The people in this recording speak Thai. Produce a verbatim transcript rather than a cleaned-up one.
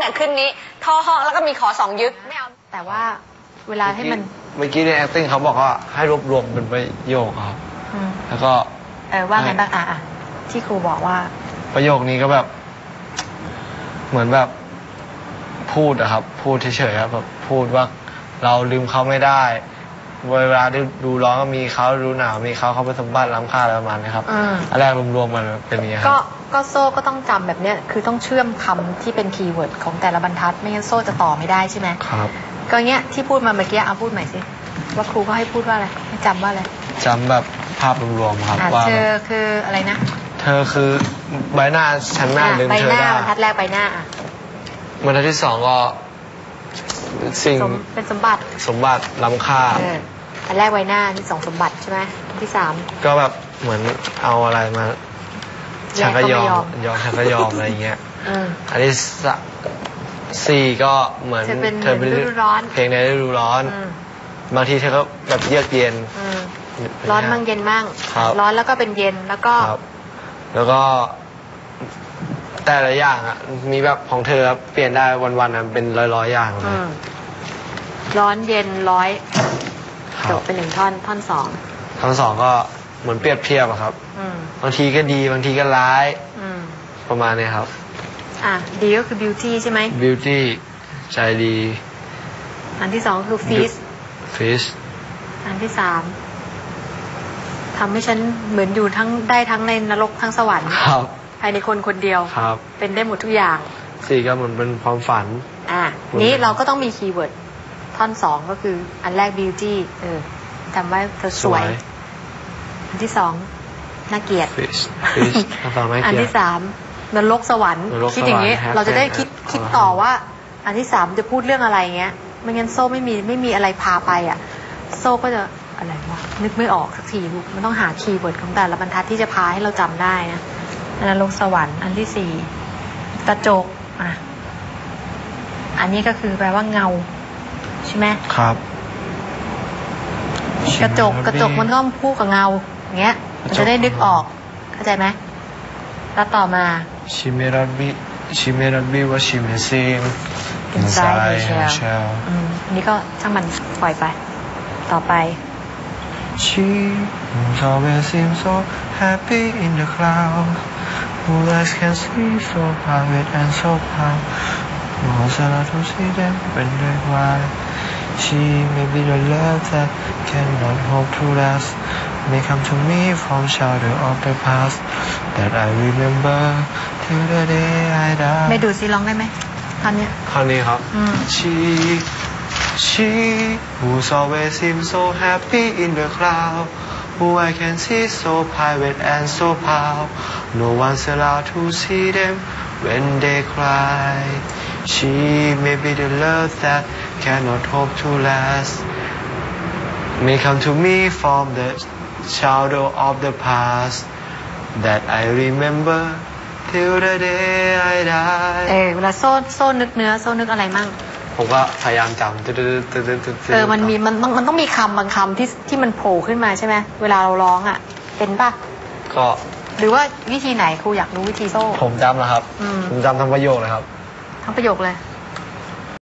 เนี่ยขึ้นนี้ท่อห้องแล้วก็มีขอสองยึกไม่เอาแต่ว่าเวลาให้มันเมื่อกี้ใน acting เขาบอกว่าให้รวบรวมเป็นประโยคครับแล้วก็เออว่าไงบ้างอ่ะอ่ะที่ครูบอกว่าประโยคนี้ก็แบบเหมือนแบบพูดอะครับพูดเฉยๆครับแบบพูดว่าเราลืมเขาไม่ได้เวลาดูร้อนก็มีเขาดูหนาวมีเขาเขาเป็นสมบัติล้ำค่าอะไรประมาณนี้ครับอันแรกรวมๆมันเป็นอย่างนี้ครับก็ก็โซ่ก็ต้องจำแบบเนี้ยคือต้องเชื่อมคำที่เป็นคีย์เวิร์ดของแต่ละบรรทัดไม่งั้นโซ่จะต่อไม่ได้ใช่ไหมครับก็เงี้ยที่พูดมาเมื่อกี้เอาพูดใหม่สิว่าครูก็ให้พูดว่าอะไรให้จำว่าอะไรจำแบบภาพรวมๆครับว่าเธอคืออะไรนะเธอคือใบหน้าฉันหน้าลืมเธอได้ใบหน้าบรรทัดแรกใบหน้าอ่ะบรรทัดที่สองก็สิ่งเป็นสมบัติสมบัติล้ำค่าอันแรกใบหน้าที่สองสมบัติใช่ไหมที่สามก็แบบเหมือนเอาอะไรมาฉันก็ยอมยอมฉันก็ยอมอะไรเงี้ยอันที่สี่ก็เหมือนเธอเป็นฤดูร้อนเพลงในฤดูร้อนบางทีเธอก็แบบเยือกเย็นร้อนมั่งเย็นมั่งร้อนแล้วก็เป็นเย็นแล้วก็แล้วก็แต่ละอย่างอ่ะมีแบบของเธอเปลี่ยนได้วันๆอ่ะเป็นร้อยๆอย่างเลยร้อนเย็นร้อยจบเป็นหนึ่งท่อนท่อนสองท่อนสองก็เหมือนเปรียบเทียบอะครับบางทีก็ดีบางทีก็ร้ายประมาณนี้ครับอ่ะดีก็คือ beauty ใช่ไหม beauty ใจดีอันที่สองคือ fish fish อันที่สามทำให้ฉันเหมือนอยู่ทั้งได้ทั้งในนรกทั้งสวรรค์ครับภายในคนคนเดียวครับเป็นได้หมดทุกอย่างสี่ก็เหมือนเป็นความฝันอ่ะนี้เราก็ต้องมีคีย์เวิร์ดท่อนสองก็คืออันแรก beauty เออจำไว้เธอสวยอันที่สองน่าเกลียด fish fish อันที่สามนรกสวรรค์คิดอย่างนี้เราจะได้คิดคิดต่อว่าอันที่สามจะพูดเรื่องอะไรเงี้ยไม่งั้นโซ่ไม่มีไม่มีอะไรพาไปอ่ะโซ่ก็จะอะไรวะนึกไม่ออกสักทีลูกมันต้องหาคีย์เวิร์ดของแต่ละบรรทัดที่จะพาให้เราจำได้นะนรกสวรรค์อันที่สี่กระจกอ่ะอันนี้ก็คือแปลว่าเงาใช่ไหมครับกระจกกระจกมันก็คู่กับเงาอย่างเงี้ยมันจะได้นึกออกเข้าใจไหมแล้วต่อมาชิเมรับิชิเมรับิว่าชิเมซิม inside the shell อืมอันนี้ก็ช่างมันปล่อยไปต่อไป She always seems so happy in the cloud who eyes can see so private and so proud most of us to see them when they cry she may be the love that cannot hope to last may come to me from shadow of the past that I remember till the day I die ไม่ดูสิร้องได้ไหมท่อนนี้ท่อนนี้ครับ she she who's always seems so happy in the cloud who I can see so private and so proud no one's allowed to see them when they cry she may be the love that cannot hope to last may come to me from the shadow of the past that I remember till the day I die เออเวลาโซ่โซ่นึกเนื้อโซ่นึกอะไรมั่งผมก็พยายามจำเออมันมีมันมันต้องมีคำบางคำที่ที่มันโผล่ขึ้นมาใช่ไหมเวลาเราร้องอ่ะเป็นป่ะก็หรือว่าวิธีไหนครูอยากรู้วิธีโซ่ผมจำนะครับผมจำทั้งประโยคเลยครับทั้งประโยคเลย